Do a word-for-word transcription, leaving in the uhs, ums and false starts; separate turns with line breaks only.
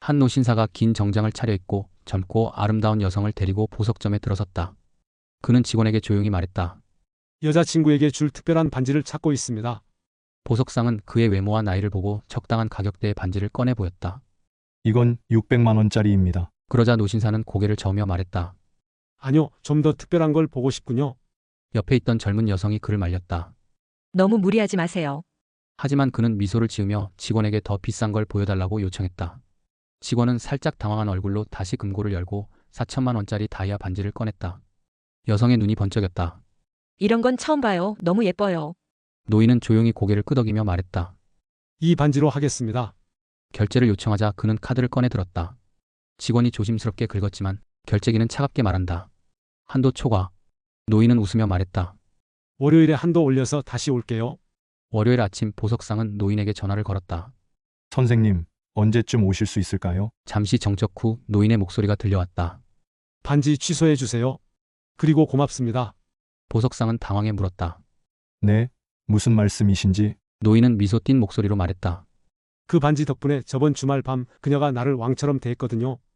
한 노신사가 긴 정장을 차려입고 젊고 아름다운 여성을 데리고 보석점에 들어섰다. 그는 직원에게 조용히 말했다.
여자친구에게 줄 특별한 반지를 찾고 있습니다.
보석상은 그의 외모와 나이를 보고 적당한 가격대의 반지를 꺼내 보였다.
이건 육백만 원짜리입니다.
그러자 노신사는 고개를 저으며 말했다.
아니요, 좀 더 특별한 걸 보고 싶군요.
옆에 있던 젊은 여성이 그를 말렸다.
너무 무리하지 마세요.
하지만 그는 미소를 지으며 직원에게 더 비싼 걸 보여달라고 요청했다. 직원은 살짝 당황한 얼굴로 다시 금고를 열고 사천만 원짜리 다이아 반지를 꺼냈다. 여성의 눈이 번쩍였다.
이런 건 처음 봐요. 너무 예뻐요.
노인은 조용히 고개를 끄덕이며 말했다.
이 반지로 하겠습니다.
결제를 요청하자 그는 카드를 꺼내 들었다. 직원이 조심스럽게 긁었지만 결제기는 차갑게 말한다. 한도 초과. 노인은 웃으며 말했다.
월요일에 한도 올려서 다시 올게요.
월요일 아침 보석상은 노인에게 전화를 걸었다.
선생님, 언제쯤 오실 수 있을까요?
잠시 정적 후 노인의 목소리가 들려왔다.
반지 취소해 주세요. 그리고 고맙습니다.
보석상은 당황해 물었다.
네, 무슨 말씀이신지.
노인은 미소 띤 목소리로 말했다.
그 반지 덕분에 저번 주말 밤 그녀가 나를 왕처럼 대했거든요.